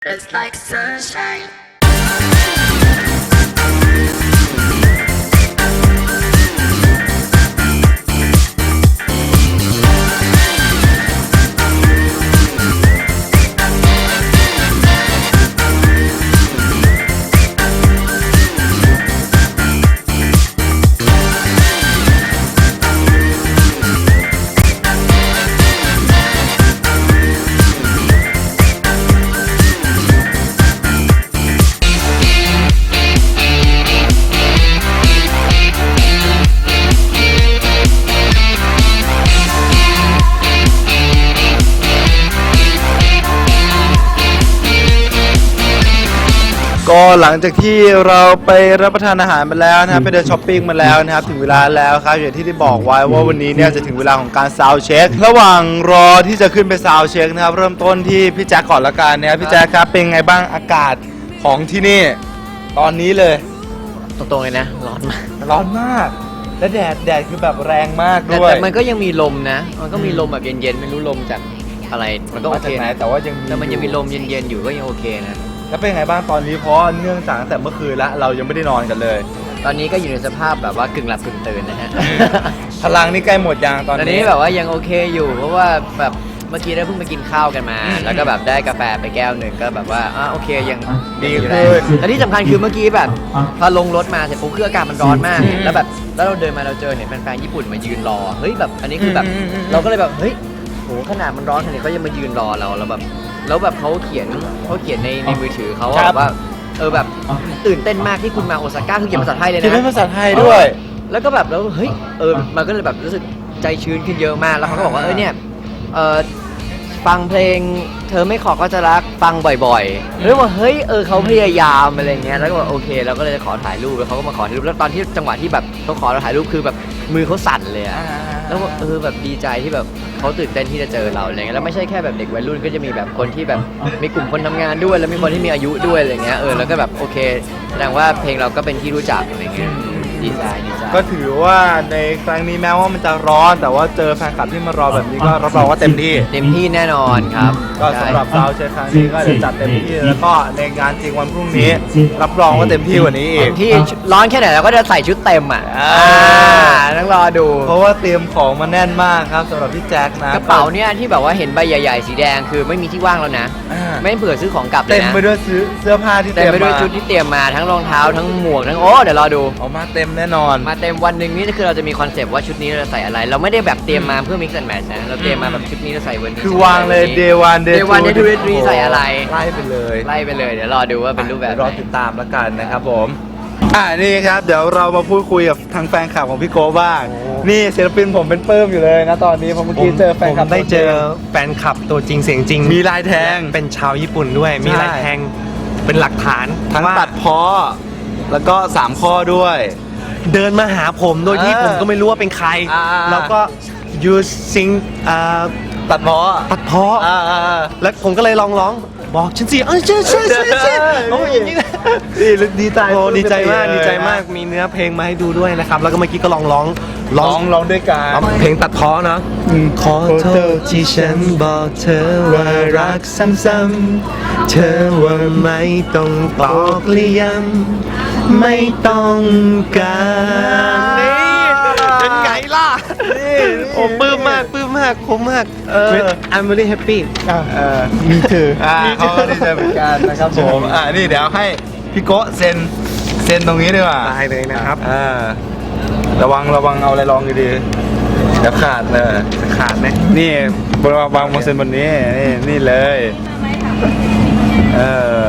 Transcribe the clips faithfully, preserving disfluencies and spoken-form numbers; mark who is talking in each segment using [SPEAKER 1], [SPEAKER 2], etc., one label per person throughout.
[SPEAKER 1] It's like sunshine.
[SPEAKER 2] ก็หลังจากที่เราไปรับประทานอาหารมาแล้วนะครับไปเดินช้อปปิ้งมาแล้วนะครับถึงเวลาแล้วครับอย่างที่ได้บอกไว้ว่าวันนี้เนี่ยจะถึงเวลาของการซาวด์เช็คระหว่างรอที่จะขึ้นไปซาวด์เช็คนะครับเริ่มต้นที่พี่แจ๊คก่อนละกันนะครับพี่แจ๊คครับเป็นไงบ้างอากาศของที่นี่ตอนนี้เลย
[SPEAKER 3] ตรงๆเลยนะร้อนมาก
[SPEAKER 2] ร้อนมากและแดดแดดคือแบบแรงมากด้วย
[SPEAKER 3] แต่มันก็ยังมีลมนะมันก็มีลมแบบเย็นๆไม่รู้ลมจากอะไรมันก็โอเค
[SPEAKER 2] แต่ว่ายัง
[SPEAKER 3] แต่มันยังมีลมเย็นๆอยู่ก็ยังโอเคนะ
[SPEAKER 2] แล้วเป็นไงบ้างตอนนี้เพราะเนื่องจากตั้งแต่เมื่อคืนแล้วเรายังไม่ได้นอนกันเลย
[SPEAKER 3] ตอนนี้ก็อยู่ในสภาพแบบว่ากึ่งหลับกึ่งตื่นนะฮะ
[SPEAKER 2] พลังนี่ใกล้หมดยังตอนนี้
[SPEAKER 3] ตอนนี้แบบว่ายังโอเคอยู่เพราะว่าแบบเมื่อกี้ได้เพิ่งไปกินข้าวกันมาแล้วก็แบบได้กาแฟไปแก้วหนึ่งก็แบบว่าอ่ะโอเคยัง
[SPEAKER 2] ดีขึ้น
[SPEAKER 3] และที่สำคัญคือเมื่อกี้แบบพอลงรถมาเสร็จปุ๊บคืออากาศมันร้อนมากแล้วแบบแล้วเราเดินมาเราเจอเห็นแฟนๆญี่ปุ่นมายืนรอเฮ้ยแบบอันนี้คือแบบเราก็เลยแบบเฮ้ยโหขนาดมันร้อนขนาดนี้เขายังมายืนรอเราแล้วแบบแล้วแบบเขาเขียนเขาเขียนในในมือถือเขาแบบว่าเออแบบตื่นเต้นมากที่คุณมาโอซาก้าคือเขียนภาษาไทยเลยนะ
[SPEAKER 2] เขียนเป็นภาษาไทยด้วย
[SPEAKER 3] แล้วก็แบบแล้วเฮ้ยเออมันก็เลยแบบรู้สึกใจชื้นขึ้นเยอะมากแล้วเขาก็บอกว่าเออเนี่ยเออฟังเพลงเธอไม่ขอก็จะรักฟังบ่อยๆแล้วว่าเฮ้ยเออเขาพยายามอะไรเงี้ยแล้วก็บอกโอเคเราก็เลยขอถ่ายรูปแล้วเขาก็มาขอถ่ายรูปแล้วตอนที่จังหวะที่แบบเขาขอเราถ่ายรูปคือแบบมือเขาสั่นเลยอะแล้วเออแบบดีใจที่แบบเขาตื่นเต้นที่จะเจอเราอะไรเงี้ยแล้วไม่ใช่แค่แบบเด็กวัยรุ่นก็จะมีแบบคนที่แบบมีกลุ่มคนทำงานด้วยแล้วมีคนที่มีอายุด้วยอะไรเงี้ยเออแล้วก็แบบโอเคแสดงว่าเพลงเราก็เป็นที่รู้จักอะไรเงี้ยดีใจดีใจ
[SPEAKER 2] ก็ถือว่าในครั้งนี้แม้ว่ามันจะร้อนแต่ว่าเจอแฟนคลับที่มารอแบบนี้ก็รับรองว่าเต็มที่
[SPEAKER 3] เต็มที่แน่นอนครับ
[SPEAKER 2] ก็สำหรับเราเชิญครั้งนี้ก็จะจัดเต็มที่แล้วก็ในงานจริงวันพรุ่งนี้รับรองว่าเต็มที่กว่านี้อีก
[SPEAKER 3] ที่ร้อนแค่ไหนเราก็จะใส่ชุดเต็มอ่ะต้องรอดู
[SPEAKER 2] เพราะว่าเตรียมของมาแน่นมากครับสำหรับพี่แจ็คนะ
[SPEAKER 3] กระเป๋าเนี่ยที่แบบว่าเห็นใบใหญ่ๆสีแดงคือไม่มีที่ว่างแล้วนะไม่เผื่อซื้อของกลับเลยนะ
[SPEAKER 2] เต็มไปด้วยซื้อเสื้อผ้าที่เต็ม
[SPEAKER 3] ไปด้วยชุดที่เตรียมมาทั้งรองเท้าทั้งหมวกทั้งโอ้เดี๋ยวรอดู
[SPEAKER 2] ออกมาเต็มแน่นอน
[SPEAKER 3] มาเต็มวันหนึ่งนี่คือเราจะมีคอนเซปต์ว่าชุดนี้เราใส่อะไรเราไม่ได้แบบเตรียมมาเพื่อ mix and match นะเราเตรียมมาแบบชุดนี้เราใส่วันนี้
[SPEAKER 2] คือวางเลย day one
[SPEAKER 3] day one day two day three ใส่อะไร
[SPEAKER 2] ไล่ไปเลย
[SPEAKER 3] ไล่ไปเลยเดี๋ยวรอดูว่าเป็นรูปแบบ
[SPEAKER 2] รอติดตามแล้วกันนะครับผมอ่านี่ครับเดี๋ยวเรามาพูดคุยกับทางแฟนคลับของพี่โก้บ้างนี่ศิลปินผมเป็นเปิ้มอยู่เลยนะตอนนี้เพราะเมื่อกี้เจอแฟนคลับ
[SPEAKER 4] ได้เจอแฟนคลับตัวจริงเสียงจริง
[SPEAKER 2] มีลายแทง
[SPEAKER 4] เป็นชาวญี่ปุ่นด้วยมีลายแทงเป็นหลักฐาน
[SPEAKER 2] ทั้งตัดพ้อแล้วก็สามข้อด้วย
[SPEAKER 4] เดินมาหาผมโดยที่ผมก็ไม่รู้ว่าเป็นใครแล้วก็ you sing
[SPEAKER 2] ตัดพ้อ
[SPEAKER 4] ตัดพ้อแล้วผมก็เลยลองร้องบอกฉันสิเออใช่ใช่ใช่ใช่โอ้ยอย่างนี้นะ
[SPEAKER 2] ดีใจ
[SPEAKER 4] โอ้ดีใจมากดีใจมากมีเนื้อเพลงมาให้ดูด้วยนะครับแล้วก็เมื่อกี้ก็ลองร้อง
[SPEAKER 2] ร้องร้องด้วยกัน
[SPEAKER 4] เพลงตัดพ้อนะขอโทษที่ฉันบอกเธอว่ารักซ้ำๆเธอว่าไม่ต้องตอกเลี่ยมไม่ต้องการเป็นไงล่ะโอ้ปลื้มมากปลื้มมากคุ้มมากเออ I'm very happy
[SPEAKER 2] อ่ามีถืออ่าเขาก็ดีใจเหมือนกันนะครับผมอ่านี่เดี๋ยวให้พี่โก้เซ็นเซ็นตรงนี้ดีกว่า
[SPEAKER 4] ได้เลยนะครับ
[SPEAKER 2] อ่าระวังระวังเอาอะไรลองดีๆเดี๋ยวขาดเลย
[SPEAKER 4] ขาดไหม
[SPEAKER 2] นี่บนวางบนเซ็นบนนี้นี่นี่เลยเออ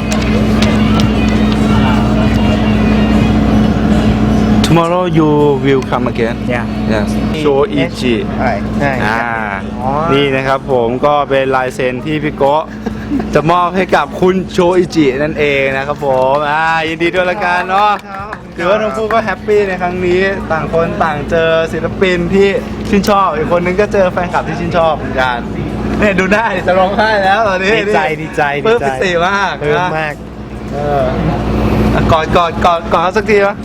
[SPEAKER 2] Tomorrow you will come again.
[SPEAKER 4] Yeah.
[SPEAKER 2] Yes. Shoichi.
[SPEAKER 4] ใช่ใช่
[SPEAKER 2] อ่านี่นะครับผมก็เป็นลายเซ็นที่พี่โก้จะมอบให้กับคุณโชอิจินั่นเองนะครับผมอ่ายินดีด้วยละกันเนาะถือว่าทั้งคู่ก็แฮปปี้ในครั้งนี้ต่างคนต่างเจอศิลปินที่ชื่นชอบอีกคนนึงก็เจอแฟนคลับที่ชื่นชอบเหมือนกันเนี่ยดูได้จะร้องไห้แล้วตอนนี้
[SPEAKER 4] ดีใจดีใจ
[SPEAKER 2] ดีใจเพิ่มพิเศษมาก
[SPEAKER 4] เพิ่มมาก
[SPEAKER 2] เออกอดกอดกอดกอดสักทีวะ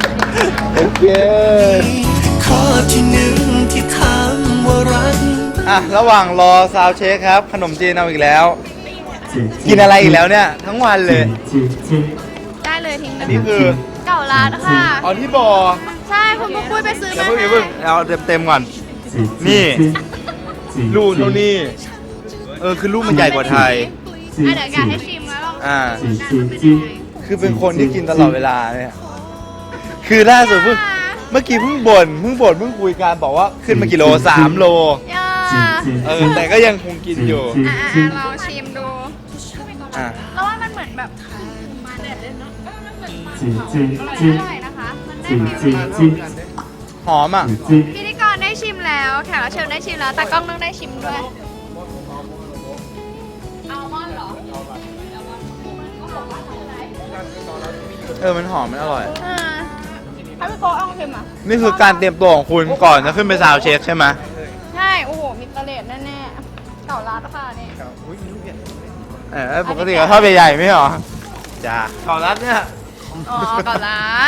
[SPEAKER 2] โอเค
[SPEAKER 1] ข้อที่หนึ่งที่ถามว่ารัก
[SPEAKER 2] อ่ะระหว่างรอซาวเช็คครับ ขนมจีนเอาอีกแล้ว กินอะไรอีกแล้วเนี่ย ทั้งวันเลย
[SPEAKER 1] ได้เลยทิ้งเลย
[SPEAKER 2] นี่คือ
[SPEAKER 1] เก่าร้านค่ะ
[SPEAKER 2] อ๋อที่บอ
[SPEAKER 1] ใช่คุณปุ๊กปุ้ยไปซื้อ
[SPEAKER 2] อย่า
[SPEAKER 1] มา
[SPEAKER 2] เพิ่งอย่าเพิ่งเอาเต็มๆก่อน นี่ลูกเท่านี้เออคือลูกมันใหญ่กว่าไทย
[SPEAKER 1] อ่ะเดี๋ยวอยากให้ชิมแล้วลอง
[SPEAKER 2] อ่า
[SPEAKER 1] ดูนะว่าเป็นยังไง
[SPEAKER 2] คือเป็นคนที่กินตลอดเวลาเนี่ย คือล่าสุดเพิ่งเมื่อกี้เพิ่งบ่นเพิ่งบ่นเพิ่งคุยกันบอกว่าขึ้นมากี่โลสามโล
[SPEAKER 1] ย่า
[SPEAKER 2] เออแต่ก็ยังคงกินอยู่
[SPEAKER 1] อ่ะอ่ะอ่ะลองชิมดู
[SPEAKER 2] อ่ะ
[SPEAKER 1] แล้วว่ามันเหมือนแบบมาเด็ดเลยเนาะเออมันเหมือนมันอร่อยนะคะมันได้ฟิล
[SPEAKER 2] หอมอ่ะ
[SPEAKER 1] พิธีกรได้ชิมแล้วแขกรับเชิญได้ชิมแล้วแต่กล้องต้องได้ชิมด้วยอัลมอนด์เหรอ
[SPEAKER 2] เออมันหอมมันอร่อย
[SPEAKER 1] อ่าถ้าพี่โกเอาชิมอ่ะ
[SPEAKER 2] นี่คือการเตรียมตัวของคุณก่อนจะขึ้นไปซาวด์เช็คใช่ไหม
[SPEAKER 1] ใช่ โอ้โห มีตะเลดแน่ๆ เก่าร้านค่ะนี่
[SPEAKER 2] เออปกติก็ทอดใหญ่ๆไม่เหรอจ้าเก่ารัดเนี่ย
[SPEAKER 1] อ๋อ เก่าร้าน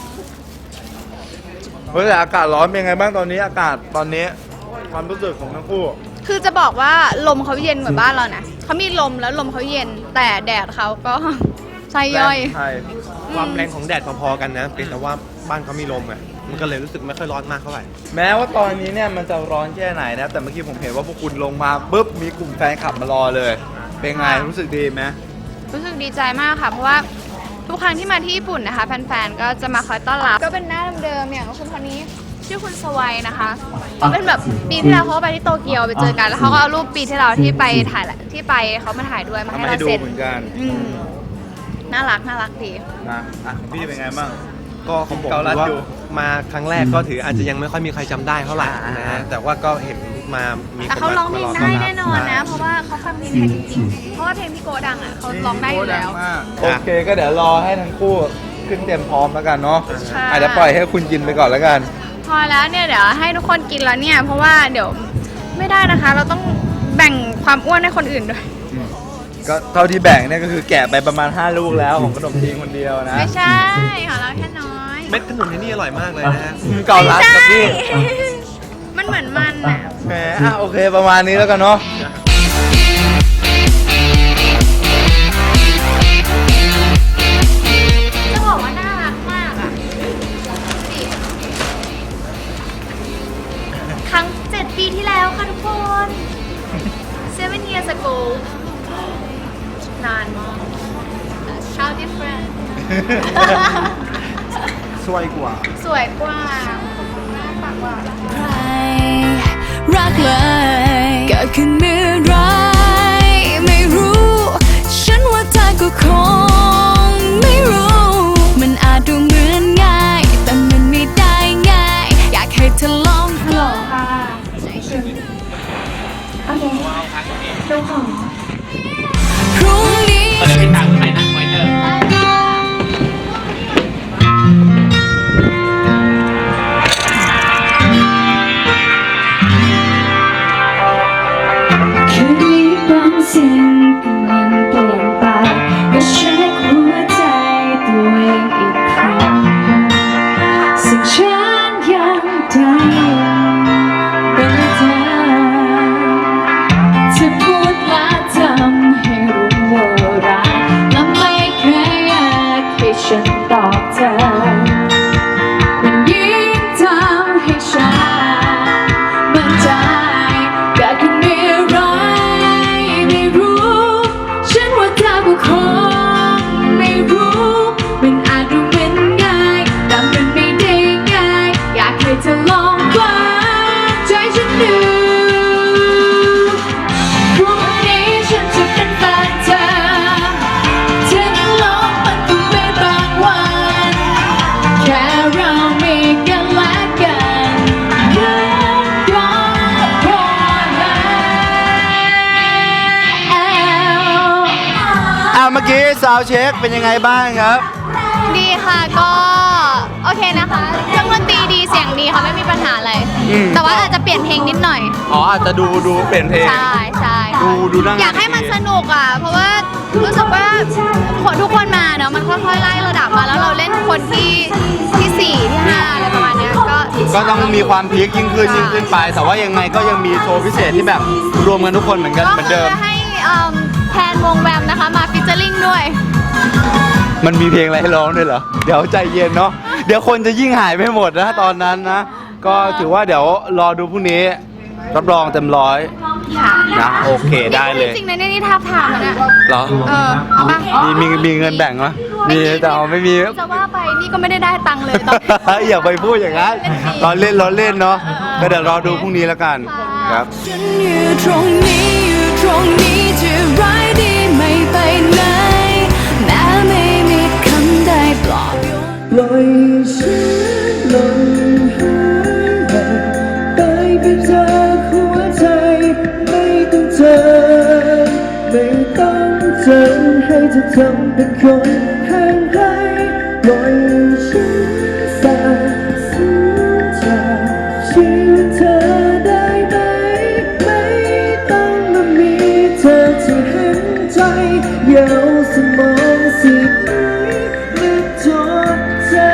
[SPEAKER 2] เฮ้ยแต่อากาศร้อนเป็นไงบ้างตอนนี้อากาศตอนนี้ความรู้สึกของทั้งคู่
[SPEAKER 1] คือจะบอกว่าลมเขาเย็นเหมือนบ้านเรานะเขามีลมแล้วลมเขาเย็น แต่แดดเขาก็ ไส้ย่อย
[SPEAKER 2] ใช่
[SPEAKER 4] ความแรงของแดดพอๆกันนะเป็นแต่ว่าบ้านเขามีลมไงมันก็เลยรู้สึกไม่ค่อยร้อนมากเท่าไหร่
[SPEAKER 2] แม้ว่าตอนนี้เนี่ยมันจะร้อนแค่ไหนนะแต่เมื่อกี้ผมเห็นว่าพวกคุณลงมาปุ๊บมีกลุ่มแฟนคลับมารอเลย เป็นไงรู้สึกดีไหม
[SPEAKER 1] รู้สึกดีใจมากค่ะ เพราะว่าทุกครั้งที่มาที่ญี่ปุ่นนะคะ แฟนๆ ก็จะมาคอยต้อนรับ ก็เป็นหน้าเดิมๆอย่างคุณคนนี้ชื่อคุณสวัยนะคะเขาเป็นแบบปีที่แล้วเขาก็ไปที่โตเกียวไปเจอกัน แล้วเขาก็เอารูปปีที่แล้วที่ไปถ่ายแหละที่ไปเขามาถ่ายด้วยมา
[SPEAKER 2] ทำ
[SPEAKER 1] ให้
[SPEAKER 2] ให้
[SPEAKER 1] เรา
[SPEAKER 2] ดู
[SPEAKER 1] เซ็น
[SPEAKER 2] เหมือนกัน
[SPEAKER 1] อืมน่ารักน่ารักดี
[SPEAKER 2] นะอ่ะของพี่เป็นไงบ้าง
[SPEAKER 4] ก็ของผม
[SPEAKER 2] เกาลัด
[SPEAKER 4] ว่า
[SPEAKER 2] อยู่
[SPEAKER 4] มาครั้งแรกก็ถืออาจจะยังไม่ค่อยมีใครจำได้เท่าไหร่นะฮะแต่ว่าก็เห็นมามี
[SPEAKER 1] แต่
[SPEAKER 4] คน
[SPEAKER 1] เขา
[SPEAKER 4] มา
[SPEAKER 1] ร้องเพลง
[SPEAKER 4] มาร
[SPEAKER 1] ได้
[SPEAKER 4] ต้รับ
[SPEAKER 1] แน่นอนนะ เพราะว่าเขาฟังเพลงไทยจริงๆ เพราะว่าเพลงพี่โกดังอ่ะเขาร้องได้อยู่แล้ว
[SPEAKER 2] โอเคก็เดี๋ยวรอให้ทั้งคู่ขึ้นเตรียมพร้อมแล้วกันเนาะ
[SPEAKER 1] ใช่
[SPEAKER 2] อาจจะปล่อยให้คุณกินไปก่อนแล้วกัน
[SPEAKER 1] พอแล้วเนี่ยเดี๋ยวให้ทุกคนกินแล้วเนี่ย เพราะว่าเดี๋ยวไม่ได้นะคะ เราต้องแบ่งความอ้วนให้คนอื่นด้วย
[SPEAKER 2] ก็เท่าที่แบ่งเนี่ยก็คือแกะไปประมาณห้าลูกแล้วของขนมจีนคนเดียวนะ
[SPEAKER 1] ไม่ใช่ของเราแค่น้อย
[SPEAKER 4] เม็ดขนุนที่นี่อร่อยมากเลยนะฮะ
[SPEAKER 2] เก่ารัดกับพี่
[SPEAKER 1] มันเหมือนมันอ่ะ
[SPEAKER 2] แหมอ่ะโอเคประมาณนี้แล้วกันเนาะ
[SPEAKER 1] จะบอกว่าน่ารักมากอ่ะดิครั้งเจ็ดปีที่แล้วค่ะทุกคน seven years ago นานมาก How different
[SPEAKER 2] สวยกว่า
[SPEAKER 1] สวยกว่าหน้าปากกว่า
[SPEAKER 5] รักเลยเกิดขึ้นเมื่อไรไม่รู้ ฉันว่าเธอก็คงไม่รู้ มันอาจดูเหมือนง่าย แต่มันไม่ได้ง่าย อยากให้เธอลองลอง พรุ่งนี้คืนนี้บางสิ่งกำลังเปลี่ยนไปก็เช็คหัวใจตัวเองอีกครั้งสิ่งฉันยังได้เป็นเธอเธอพูดและทำให้รู้ว่ารักและไม่เคยอยากให้ฉันตอบเธอมันยิ่งทำให้ฉันมั่นใจอยากจะมีอะไรไม่รู้ฉันว่าเธอก็คงไม่รู้มันอาจดูเหมือนง่ายแต่มันไม่ได้ง่ายอยากให้เธอลองฟังใจฉันดูพรุ่งนี้ฉันจะเป็นแฟนเธอเธอนั้นลองมันคงเป็นบางวันแค่เรามีกันและกันนั้นก็พอแล้ว
[SPEAKER 2] อ่ะเมื่อกี้ซาวเช็คเป็นยังไงบ้างครับ
[SPEAKER 1] ดีค่ะก็โอเคนะคะเครื่องดนตรีดีเสียงดีค่ะไม่มีปัญหาอะไร
[SPEAKER 2] อืม
[SPEAKER 1] แต่ว่าอาจจะเปลี่ยนเพลงนิดหน่อย
[SPEAKER 2] อ๋ออาจจะดูดูเปลี่ยนเพลง
[SPEAKER 1] ใช่ใช่
[SPEAKER 2] ดูดูนั่ง
[SPEAKER 1] อยากให้มันสนุกอ่ะ เพราะว่ารู้สึกว่าคนทุกคนมาเนาะมันค่อยๆไล่ระดับมาแล้วเราเล่นคนที่ที่สี่ที่ห้าอะไรประมาณเนี้ยก็
[SPEAKER 2] ก็ต้องมีความพีคยิ่งขึ้นยิ่งขึ้นไป แต่ว่ายังไงก็ยังมีโชว์พิเศษที่แบบรวมกันทุกคนเหมือนกัน
[SPEAKER 1] ก็
[SPEAKER 2] เหมือน
[SPEAKER 1] คื
[SPEAKER 2] เดิม
[SPEAKER 1] อให้เอิ่มแทนวงแวมนะคะมาฟิชเจอริงด้วย
[SPEAKER 2] มันมีเพลงอะไรให้ร้องด้วยเหรอ เดี๋ยวใจเย็นเนาะ เดี๋ยวคนจะยิ่งหายไปหมดนะตอนนั้นนะ ก็ถือว่าเดี๋ยวรอดูพรุ่งนี้ รับรองเต็มร้อย
[SPEAKER 1] ค่ะ
[SPEAKER 2] นะโอเคได้เลย
[SPEAKER 1] จริงๆนะเนี่ยนี่ทับทามแล้วนะ
[SPEAKER 2] เหรอ
[SPEAKER 1] เออเอาปะ
[SPEAKER 2] มีมีมีเงินแบ่งไหมมีแต่เอาไม่มี
[SPEAKER 1] จะว่าไปนี่ก็ไม่ได้ได้ตังค์เลยตอนนี้
[SPEAKER 2] อย่าไปพูดอย่างนั้นเราเล่นเราเล่นเนาะ ก็เดี๋ยวรอดูพรุ่งนี้แล้วกัน ครับ
[SPEAKER 5] ฉันอยู่ตรงนี้อยู่ตรงนี้จะร้ายดีไม่ไปไหนแม้ไม่มีคำใดปลอบโยน
[SPEAKER 4] ปล่อยฉันลงหายไปไปจากหัวใจไม่ต้องเจอไม่ต้องเจอให้เธอทำเป็นคนห่างไกลปล่อยฉันสาบสูญจากชีวิตเธอได้ไหมไม่ต้องมามีเธอที่เห็นใจเยาวสมองสิไหนนึกจดจำ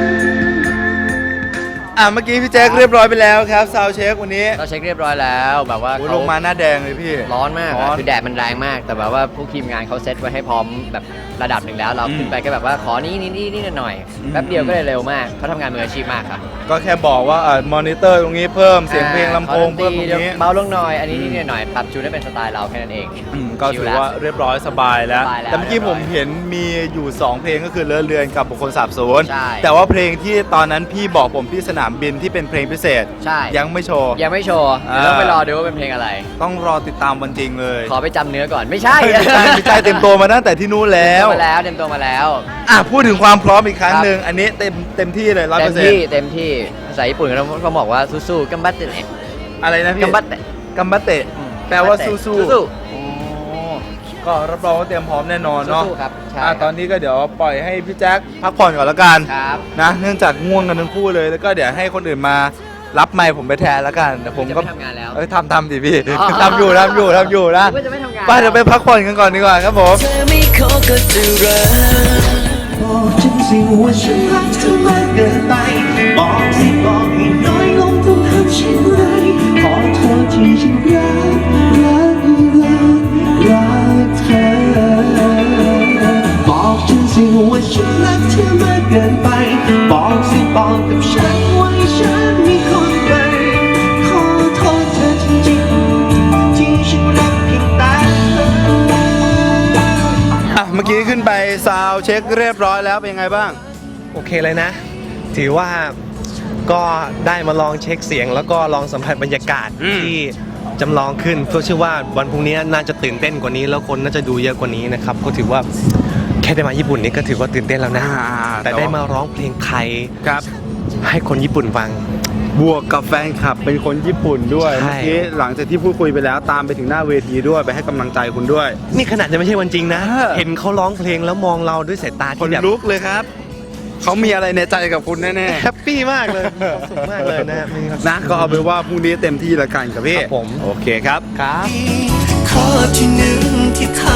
[SPEAKER 2] อ่ะเมื่อกี้พี่แจ็คเรียบร้อยไปแล้วครับซาวเช็ควันนี้
[SPEAKER 3] เราเช็คเรียบร้อยแล้วแบบว่า
[SPEAKER 2] โอ้ย
[SPEAKER 3] เขา
[SPEAKER 2] ลงมาหน้าแดงเลยพี่
[SPEAKER 3] ร้อนมาก
[SPEAKER 2] ร้อน
[SPEAKER 3] อะคือแดดมันแรงมาก แต่แบบว่าผู้ทีมงานเขาเซตไว้ให้พร้อมแบบระดับหนึ่งแล้ว เรา
[SPEAKER 2] อืม
[SPEAKER 3] ขึ้นไปก็แบบว่าขอนี้นี่นี่นี่หน่อย
[SPEAKER 2] อืม
[SPEAKER 3] แป๊บเดียวก็เลยเร็วมากเขาทำงานมืออาชีพมากครับ
[SPEAKER 2] ก็แค่บอกว่าอ่ามอนิเตอร์ตรงนี้เพิ่มเสียงเพลงลำโพง
[SPEAKER 3] ขอดนต
[SPEAKER 2] เพิ่มตรงนี้
[SPEAKER 3] เบาลงหน่อย อันนี้นี่หน่อยปรับจูนให้เป็นสไตล์เราแค่นั้นเอง
[SPEAKER 2] อืมก็
[SPEAKER 3] ชิ
[SPEAKER 2] ถื
[SPEAKER 3] ล
[SPEAKER 2] อ
[SPEAKER 3] แล้ว
[SPEAKER 2] ว่าเรียบร้อยสบายแล้ว
[SPEAKER 3] สบายแล้ว
[SPEAKER 2] แต่เมื่อกี้
[SPEAKER 3] เรี
[SPEAKER 2] ผ
[SPEAKER 3] ยบร้
[SPEAKER 2] ม
[SPEAKER 3] อย
[SPEAKER 2] เห็นมีอยู่ สอง เพลงก็คือเลอะเลือนกับบุคคลสาบสูญ
[SPEAKER 3] ใช่
[SPEAKER 2] แต่ว่าเพลงที่ตอนนั้นพี่บอกผมที่สนามบินที่เป็นเพลงพิเศษ
[SPEAKER 3] ใช่
[SPEAKER 2] ยังไม่โชว์
[SPEAKER 3] ยังไม่โชว์เดี๋ยว
[SPEAKER 2] อ่า
[SPEAKER 3] ต้องไปรอดูว่าเป็นเพลงอะไร
[SPEAKER 2] ต้องรอติดตามวันจริงเลย
[SPEAKER 3] ขอไปจำเนื้อก่อน ไม่ใช่
[SPEAKER 2] ไม่ใช่ไม่ใช่เต็มตัวมาตั้งแต่ที่นู้นแล้ว
[SPEAKER 3] เต็มตัวมาแล้วเต็มตัวมาแล้ว
[SPEAKER 2] อ่ะพูดถึงความพร้อมอีกครั้ง
[SPEAKER 3] ครับ
[SPEAKER 2] หนึ่งอันนี้เต็มเต็มที่เลยร้อย
[SPEAKER 3] เต็
[SPEAKER 2] เปอ
[SPEAKER 3] ม
[SPEAKER 2] ร์เซ็น
[SPEAKER 3] ที่
[SPEAKER 2] ต์
[SPEAKER 3] เต็มที่ภาษาญี่ปุ่นเขาเขาบอกว่าสู้ๆกัมบัตเตะ
[SPEAKER 2] อะไรนะพี่
[SPEAKER 3] กัมบัตเตะ
[SPEAKER 2] กัมบัตเตะ
[SPEAKER 3] อืม
[SPEAKER 2] แปลว่าสู้สู้
[SPEAKER 3] สู้
[SPEAKER 2] โอ้ก็รับรองว่าเตรียมพร้อมแน่นอนเนาะ
[SPEAKER 3] สู้ๆครับใช่
[SPEAKER 2] อ่ะ
[SPEAKER 3] ครับ
[SPEAKER 2] ตอนนี้ก็เดี๋ยวปล่อยให้พี่แจ็คพักผ่อนก่อนละกัน
[SPEAKER 3] ครับ
[SPEAKER 2] นะเนื่องจากง่วงกันทั้งคู่เลยแล้วก็เดี๋ยวให้คนอื่นมารับไมค์ผมไปแทนแล้วกันแต่ผมก็
[SPEAKER 3] จะไม่ทำงานแล้ว
[SPEAKER 2] เอ้ยทำทำดิพี่
[SPEAKER 3] อ๋อ
[SPEAKER 2] ทำอยู่ทำอยู่ทำอยู่นะ
[SPEAKER 3] ก็จะไม่ทำงาน
[SPEAKER 2] ไปเดี๋ยวไปพักผ่อนกันก่อนดีกว่าครับผม
[SPEAKER 4] เธอไม่ขอก็จะรักบอกฉันสิว่าฉันรักเธอมากเกินไปบอกสิบอกให้น้อยลงต้องทำเช่นไรขอโทษที่ฉันรักรักรักรักเธอบอกฉันสิว่าฉันรักเธอมากเกินไปบอกสิบอกกับฉันว่าฉันมีคนใหม่ขอโทษเธอจริงๆที่ฉันรักเพียงแต่เธอ
[SPEAKER 2] อ่ะเมื่อกี้ขึ้นไปซาวด์เช็คเรียบร้อยแล้วเป็นยังไงบ้าง
[SPEAKER 6] โอเคเลยนะ ถือว่าก็ได้มาลองเช็คเสียง แล้วก็ลองสัมผัสบรรยากาศ
[SPEAKER 2] อืม
[SPEAKER 6] ที่จำลองขึ้นเพื่อเชื่อว่าวันพรุ่งนี้น่าจะตื่นเต้นกว่านี้ แล้วคนน่าจะดูเยอะกว่านี้นะครับก็ถือว่าแค่ได้มาญี่ปุ่นนี่ก็ถือว่าตื่นเต้นแล้วนะ
[SPEAKER 2] อ่า
[SPEAKER 6] แต่ได้มาร้องเพลงไทย
[SPEAKER 2] ครับ
[SPEAKER 6] ให้คนญี่ปุ่นฟัง
[SPEAKER 2] บวกกับแฟนคลับเป็นคนญี่ปุ่นด้วย
[SPEAKER 6] ใช่
[SPEAKER 2] เมื่อกี้หลังจากที่พูดคุยไปแล้วตามไปถึงหน้าเวทีด้วยไปให้กำลังใจคุณด้วย
[SPEAKER 6] นี่ขนาดจะไม่ใช่วันจริงนะ
[SPEAKER 2] เออ
[SPEAKER 6] เห็นเขาร้องเพลงแล้วมองเราด้วยสายตา
[SPEAKER 2] คน
[SPEAKER 6] ที่แบบ
[SPEAKER 2] ลุกเลยครับเขามีอะไรในใจกับคุณแน่
[SPEAKER 6] แฮปปี้มากเลยมีความสุขมากเลยนะมีความสุข
[SPEAKER 2] ๆนะก็เอาไปนว่าพรุ่งนี้เต็มที่ละกันกับพี่
[SPEAKER 6] ครับผม
[SPEAKER 2] โอเคครับ
[SPEAKER 6] ครับ
[SPEAKER 4] ข้อที่หนึ่งที่ท